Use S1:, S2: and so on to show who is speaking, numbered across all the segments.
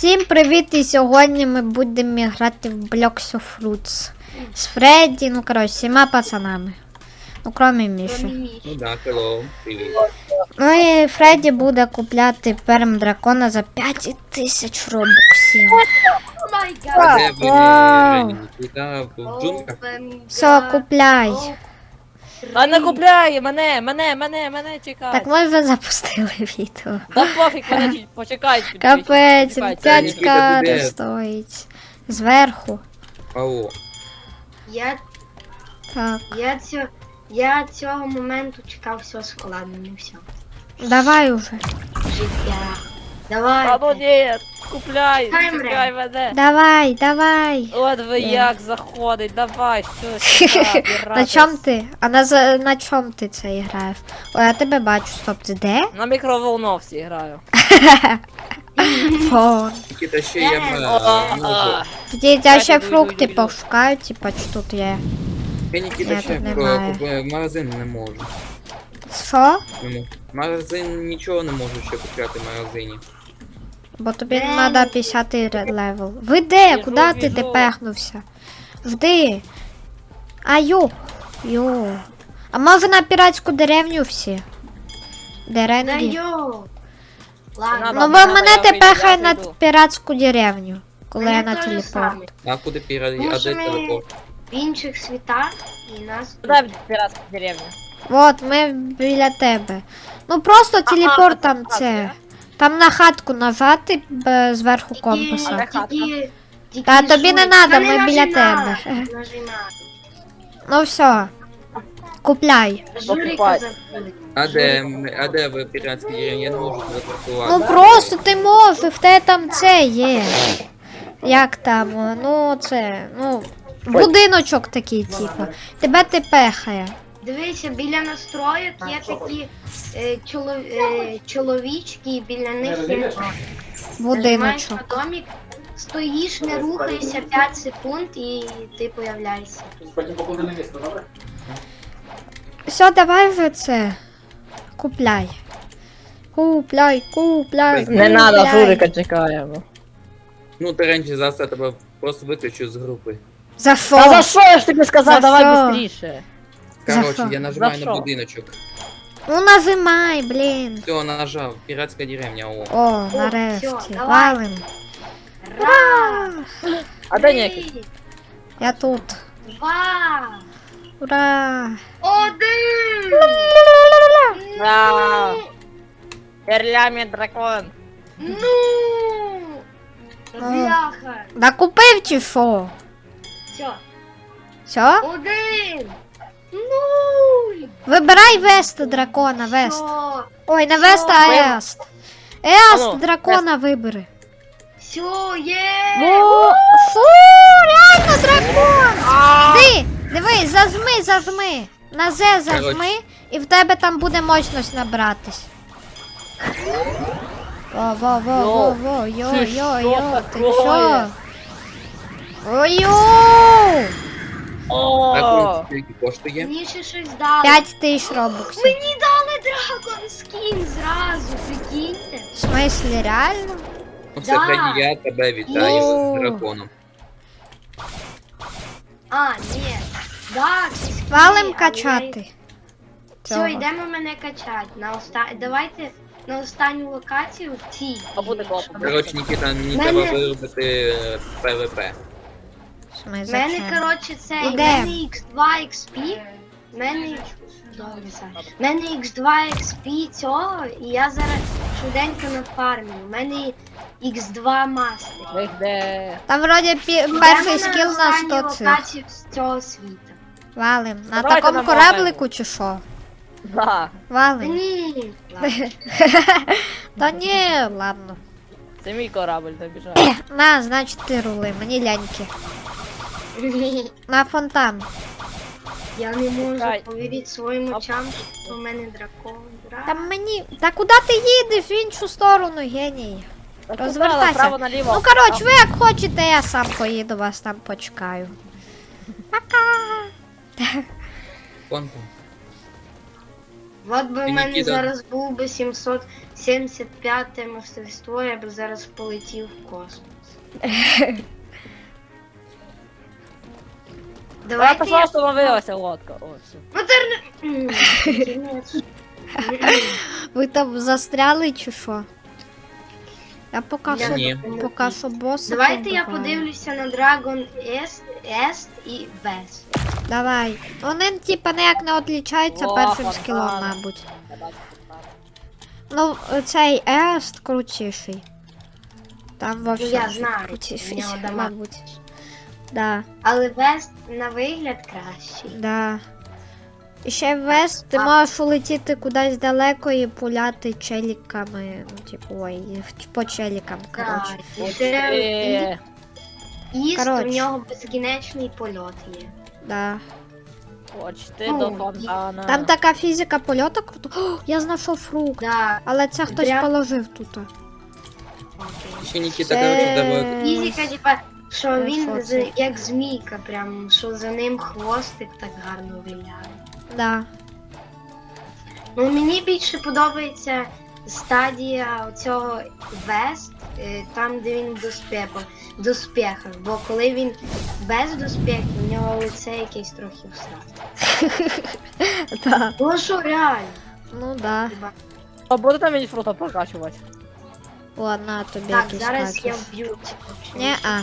S1: Всім привіт! І сьогодні ми будемо грати в Blocks of Fruits з Фредді, ну коротше, всіма пацанами. Ну, кроме Міші.
S2: Ну да, hello, привіт.
S1: Ну і Фредді буде купляти перм дракона за 5000 робоксів.
S2: А де ви,
S1: Вау.
S2: Жені? Туди, в джунглях?
S1: Все, купляй.
S3: А не купляй, мене чекай.
S1: Так ми вже запустили відео.
S3: Да пофіг, мене почекай.
S1: Капець,
S3: почекай,
S1: 5к
S2: буде.
S1: стоїть. Зверху.
S2: Ау.
S1: Так.
S4: Я цього моменту чекав, все складно, не все.
S1: Давай уже.
S4: Життя.
S3: А ну
S4: Давай.
S3: ні, купляй,
S4: Таймер.
S3: чекай мене.
S1: Давай, давай.
S3: От ви
S1: Ні.
S3: як заходить, давай, все, сюди,
S1: На чом ти? А на чом ти це граєш? Ой, я тебе бачу, стоп, ти де?
S3: На мікроволновці граю.
S1: Фон.
S2: Нікіта, ще я
S3: А,
S1: Тоді я ще фрукти пошукаю, типа, чи тут є.
S2: Я Нікіта
S1: Я
S2: ще
S1: тут немає.
S2: в магазин не можу.
S1: Що?
S2: Не можу. Магазин нічого не можу ще купляти в магазині.
S1: Бо тобі треба 50 левел. Ви де?
S3: Біжу,
S1: Куди ти
S3: біжу.
S1: депехнувся? Жди. А йо. А може на піратську деревню всі?
S4: Да
S1: Деренгі?
S4: йо. Ладно.
S3: Надо.
S1: Ну бо
S3: Ладно,
S1: мене
S3: я
S1: ти
S3: вийду,
S1: пехай
S3: я
S1: на
S3: вийду.
S1: піратську деревню, коли
S4: Мене
S1: я на
S4: те ж
S1: телепорт.
S4: саме.
S2: А куди пірати?
S4: Тому
S2: А
S4: що
S2: де
S4: ми
S2: телепорт?
S4: в інших світах і нас...
S3: Куди піратська деревня?
S1: От, ми біля тебе. Ну просто телепорт там це. Там на хатку нажати зверху компаса. Та тобі не надо, ми біля тебе.
S4: Нажимай.
S1: Ну все. Купляй.
S4: Журика
S3: Покупай.
S4: забули.
S2: А де ви піратські деревні? Я не можу телепортувати.
S1: Ну просто ти можеш, в тебе там це є. Як там, ну це, ну, будиночок такий, типу. Тебе ти пехає.
S4: Дивися, біля настроїк є такі чоловічки, і біля них є нажимаєш
S1: Будиночок.
S4: на домик, стоїш, не рухаєшся 5 секунд і ти появляєшся.
S1: Все, давай вже це. Купляй. Купляй.
S3: Не надо,
S1: купляй.
S3: Журика чекаємо.
S2: Ну, Теренчі, зараз я тебе просто виключу з групи.
S1: За
S3: Та за
S1: що?
S3: що я ж тобі сказав,
S1: За
S3: давай
S1: що?
S3: быстріше.
S1: За
S2: Короче,
S1: що?
S2: я нажимаю
S3: За
S2: на
S3: що?
S2: будиночок.
S1: Ну нажимай, блін.
S2: Все, нажав. Піратська деревня, о.
S1: О,
S4: всьо,
S1: нарешті.
S4: давай.
S1: Валим.
S4: Раз,
S3: А де ніякий?
S4: три,
S1: Я тут.
S4: 2,
S1: Ура!
S4: 1.
S3: Вау. Перлямент дракон.
S4: Ну! Бляха!
S1: Да купив чи що?
S4: Все.
S1: Все?
S4: 1. 0.
S1: Вибирай вест дракона, вест.
S4: Все.
S1: Ой, не вест, а ест. Ест
S3: Ану,
S1: дракона вибери.
S4: Все, є.
S1: О, фу, реально дракон. Ти, дивись, зажми. На З зажми, і в тебе там буде мощність набратись. Во,
S3: Це що
S1: ти
S3: такое?
S1: що? Ой-ой!
S2: Так,
S3: О,
S2: скільки коштує?
S4: Мені ще щось дали.
S1: 5000 робоксів.
S4: Мені дали дракон скін зразу, прикиньте.
S1: В смислі, реально?
S2: Ну все,
S4: Да.
S2: Фредді, я тебе вітаю
S1: Йоу.
S2: з драконом.
S4: А, ні. Да, це скіни,
S1: Валим
S4: але
S1: качати.
S4: Все,
S1: Цього.
S4: йдемо мене качати. Давайте на останню локацію в цій.
S3: А буде класно.
S2: Коротше, Нікіта, мені
S4: Мене-
S2: треба виробити ПВП.
S1: В смислі,
S4: В мене,
S1: зачем?
S4: коротше, це
S1: Іде.
S4: в мене X2 XP. В мене добре, Саш. В мене X2 XP цього, і я зараз швиденько нафармлю. У мене X2 мастер.
S3: Ви де?
S1: Там вроді перший скіл на 100 цих.
S4: локацію з цього світу.
S1: Валим. На
S3: Давайте
S1: такому
S3: на
S1: кораблику чи що?
S3: Да.
S4: Та
S1: Валим.
S4: ні. ладно.
S1: Та ні, ладно.
S3: Це мій корабль добіжав.
S1: На, значить ти рули, мені ляньки. На фонтан.
S4: Я не можу
S3: Чекай.
S4: повірити своїм очам, що в мене дракон.
S1: Та мені. Та куди ти їдеш в іншу сторону, геній? Розвертайся.
S3: Право наліво.
S1: Ну коротше, ви як хочете, я сам поїду, вас там почекаю. Пока.
S2: Вон там.
S4: От би в
S2: Ти,
S4: мене
S2: Нікіта.
S4: зараз був би 775 мастерство, я б зараз полетів в космос.
S3: Я
S4: Давайте я...
S3: остановилася лодка. О, все.
S4: Ну це не... Кінець.
S1: Ви там застряли чи що? Я поки
S4: Я
S1: що,
S2: Ні.
S1: поки що боса
S4: Давайте я
S1: побиваю.
S4: подивлюся на Dragon Est і West.
S1: Давай. Вони типа ніяк не відлічаються
S3: О,
S1: першим
S3: фонтан.
S1: скілом, мабуть.
S3: Я бачу, так.
S1: Ну, цей Ест крутіший. Там вообще
S4: я знаю,
S1: крутіший,
S4: у нього дамаг.
S1: мабуть. Да,
S4: Але West на вигляд кращий.
S1: да. І ще в Вест ти можеш улетіти кудись далеко і пуляти челіками. Ну, типу, ой, по челікам, коротше.
S4: Так, і ще Іст, у
S1: Коротше.
S4: нього безкінечний польот є.
S1: Да.
S3: Почти
S4: Ну,
S3: до фонтана.
S1: Там така фізика польоту круто. О, я знайшов фрукт.
S4: Да,
S1: Але це хтось
S4: Прям-
S1: положив тут.
S4: окей.
S2: Ще Нікіта,
S1: Це-
S2: коротше, давай.
S4: Фізика, типа, що
S1: Е,
S4: він
S1: що це?
S4: як змійка, прям, що за ним хвостик так гарно виляє.
S1: Да.
S4: Ну, мені більше подобається стадія цього Вест, там, де він в доспехах. Бо коли він без доспехів, у нього лице якесь трохи всрати.
S1: Да.
S4: Ну що, реально?
S1: Ну да.
S4: Хіба?
S3: А буде там мені фрута прокачувати?
S1: Ладно, тобі
S4: Так,
S1: якийсь
S4: зараз я
S1: кактус.
S4: вб'ю цього.
S1: Не-а.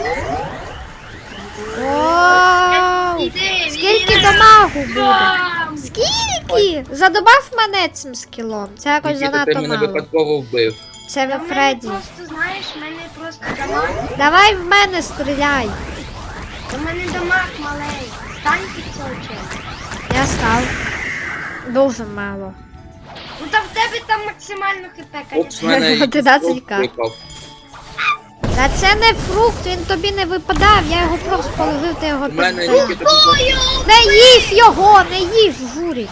S1: Вау!
S4: Іди,
S1: Скільки
S4: іди.
S1: дамагу буде?
S4: Бам!
S1: Скільки? Задобав мене цим скілом. Це якось
S2: Нікіта, ти
S1: занадто
S2: мене
S1: мало.
S2: випадково вбив.
S1: Це
S4: Та
S1: ви
S4: в мене
S1: Фредді.
S4: просто, знаєш, в мене просто дамаг.
S1: Давай в мене стріляй.
S4: У мене дамаг маленький. Стань під цього чела.
S1: Я став. Дуже мало.
S4: Ну та в тебе там максимально хп,
S2: Опс, в
S4: конечно.
S2: мене якийсь
S1: 11К.
S2: випав.
S1: Та це не фрукт, він тобі не випадав, я його просто положив, ти його
S2: У мене
S1: підбив.
S2: Нікіта тут
S1: Не їж його, не їж, журик.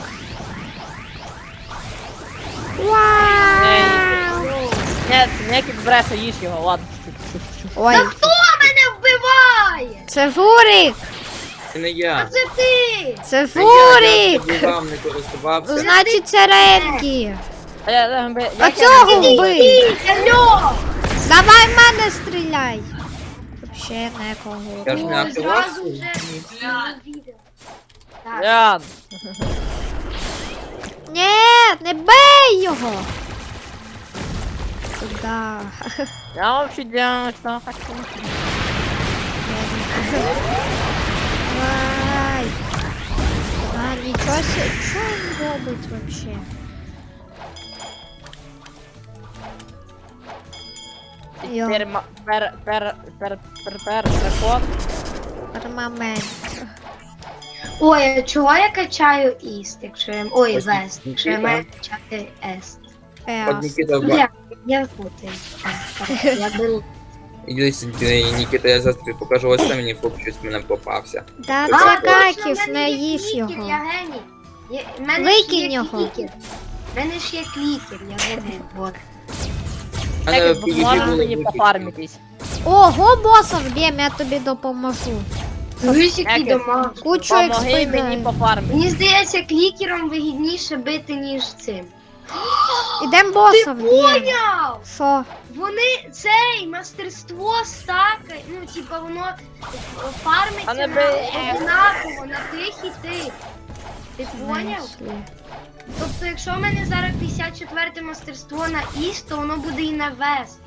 S1: Вау!
S3: Ні, ніякий бреше, їж його, ладно.
S1: Ой,
S4: Та хто мене вбиває?
S1: це Фурик!
S2: це не
S4: А
S2: я.
S4: це ти!
S1: Це
S2: Це я
S1: Фурик!
S2: вбивав, не
S1: Ну,
S2: користувався.
S1: значить, це Ренкі.
S3: А
S1: цього вбий!
S4: Ні, алло!
S1: Давай в мене стріляй. Вообще некого.
S2: Я ж не
S4: Ой, зразу
S2: активався.
S4: вже відео. Так,
S3: Ян,
S1: Ні, не бей його. Куда?
S3: я вообще делаю, что хочу.
S1: Давай. А, нічого себе. Що він робить вообще? Йо,
S3: Переход.
S1: армамент.
S4: Ой, а чого я качаю іст, якщо я... Ой,
S2: Ось
S4: вест, якщо я
S2: Нікіта.
S4: маю качати ест?
S2: От
S1: Еос.
S2: Нікіта
S4: Я путаю. Так, я беру.
S2: Іди сюди, Нікіта, я зараз тобі покажу, ось там мені фрукт щось мене попався.
S1: Та
S2: А,
S1: це
S4: точно,
S1: каків,
S4: в мене
S1: не
S4: є
S1: їж
S4: клікер,
S1: його.
S4: Я геній. В мене
S1: Викинь
S4: ж є
S1: його.
S4: клікер. В мене ж є клікер, я забув. Вот.
S2: У мене
S3: Як
S2: в PvP
S3: можна
S2: було
S3: мені
S2: виключно.
S3: пофармитись?
S1: Ого, боса вб'єм, я тобі допоможу.
S4: Дивись, який
S3: Як я-
S4: дамаг.
S1: Кучу
S3: Помоги
S1: експи
S3: мені
S1: дай.
S3: пофармити.
S4: Мені здається, клікером вигідніше бити, ніж цим.
S1: Ідем
S4: Ти
S1: боса вб'єм.
S4: поняв?
S1: Що?
S4: Вони цей мастерство стака, ну типа воно
S3: А
S4: фармиться
S3: не
S4: на
S3: бий.
S4: одинаково, на тих і тих. Ти поняв?
S1: Знайшли.
S4: Тобто, якщо в мене зараз 54 мастерство на іст, то воно буде і на вест.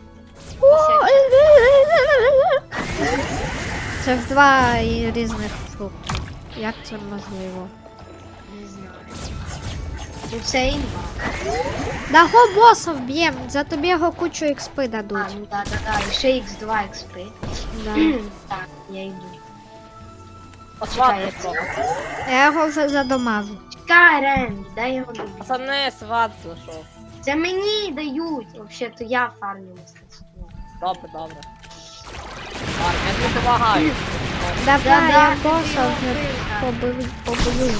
S1: Це ж два різних фрукти. Як це можливо?
S4: Не знаю. Ну це імба.
S1: Да го боса вб'єм, за тобі його кучу експи
S4: А,
S1: дадуть.
S4: ну да. І ще X2 XP.
S1: Да.
S4: Так, я йду.
S3: Посватку трохи.
S1: Я його вже задомажу.
S4: Чекай, Рен, дай його добити.
S3: Пацани, сват зайшов.
S4: Це мені дають. Взагалі-то я фармлю мастерство.
S3: Добре, добре. Ладно, я тобі допомагаю.
S1: Давай,
S4: Да-да,
S1: я
S4: ти
S1: боса
S4: його
S1: вже
S4: вбив,
S1: побою.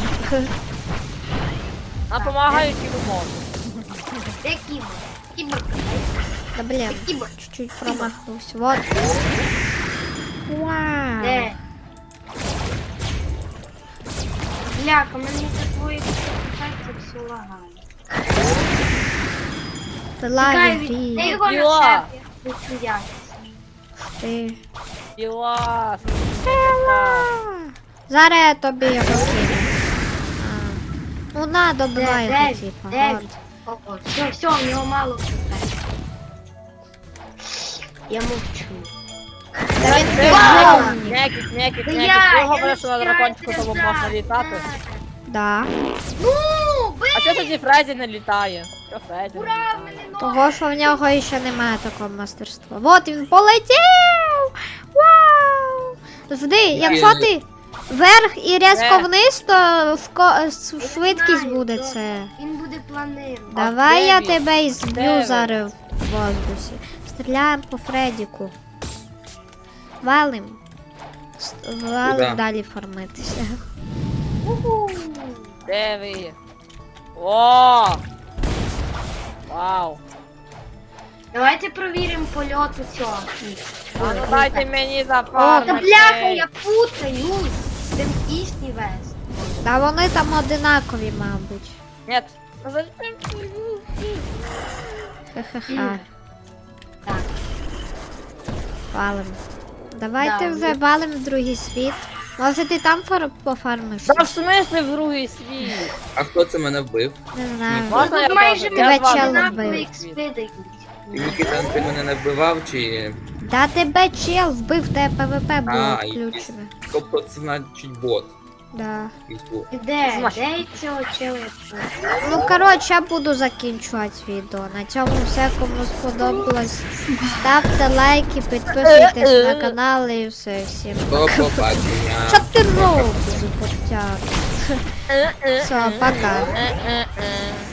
S3: А помагаю, чи ви можете.
S4: Де кібер? Кібер.
S1: Да блин,
S4: Кібер.
S1: чуть-чуть промахнулся. Вот. Вау.
S4: Де? Бляха, мене за твоїх ефектів все лагає.
S1: Пила
S4: Чекай,
S1: в
S4: ти
S1: грі.
S4: його
S3: Йо.
S4: на себе, я хочу якість.
S1: Ти.
S3: Піла.
S1: Зараз я тобі його кину. А. Ну на, добивай його,
S4: Дев'ять,
S1: типа.
S4: дев'ять.
S1: от.
S4: О, все, в нього мало хп. Я мовчу.
S1: Та він
S4: Вау!
S1: безумний.
S3: Некіт.
S4: Та
S3: Ти говориш,
S4: не
S3: що на
S4: знаю,
S3: дракончику
S4: це
S3: тому
S4: так.
S3: можна літати.
S1: Да.
S4: Ну,
S3: А чого тоді Фредді не літає? Що Фредді не
S4: ура, в
S3: літає?
S4: мене ноги.
S1: Того, що в нього ще немає такого мастерства. Вот він полетів! Вау! Жди, якщо ти вверх і різко вниз, то швидкість
S4: знаю,
S1: буде
S4: то
S1: це.
S4: Він буде планирувати.
S1: Давай
S3: де
S1: я
S3: він?
S1: тебе і
S3: Де
S1: зб'ю
S3: він?
S1: зараз в воздусі. Стріляємо по Фредіку. Валим. Валим
S2: Куда?
S1: далі фармитися.
S4: Уху.
S3: Де ви? О! Вау!
S4: Давайте провіримо польот у цього.
S3: А ну дайте мені
S4: Та
S3: зафармити.
S4: бляха, я путаюсь. Це Існі вест.
S1: Та вони там одинакові, мабуть.
S3: Нет. Ну зачем?
S1: Ха-ха-ха.
S4: Так.
S1: Валим. Давайте
S4: Да,
S1: вже валим в другий світ. Може ти там пофармиш?
S3: Да в смысле в другий світ?
S2: А хто це мене вбив?
S1: Не знаю.
S3: Можна я
S4: Тут майже
S3: теж?
S1: Тебе
S3: Я з вами
S1: чел
S3: буду в
S1: вбив.
S4: однакові
S3: другий
S4: експи
S3: світ.
S4: дають.
S2: І Нікіта, ти мене не вбивав, чи...
S1: Да тебе чел вбив, тебе ПВП було
S2: А, і-
S1: включене.
S2: Тобто це значить бот.
S1: Да.
S2: Фейсбук.
S4: Де?
S3: Смачно.
S4: Де цього чела?
S1: Ну коротше, я буду закінчувати відео. На цьому все, кому сподобалось. Ставте лайки, підписуйтесь на канал і все всім.
S2: До побачення.
S1: Що ти робиш, котяк? Все, пока.
S3: Е-е-е.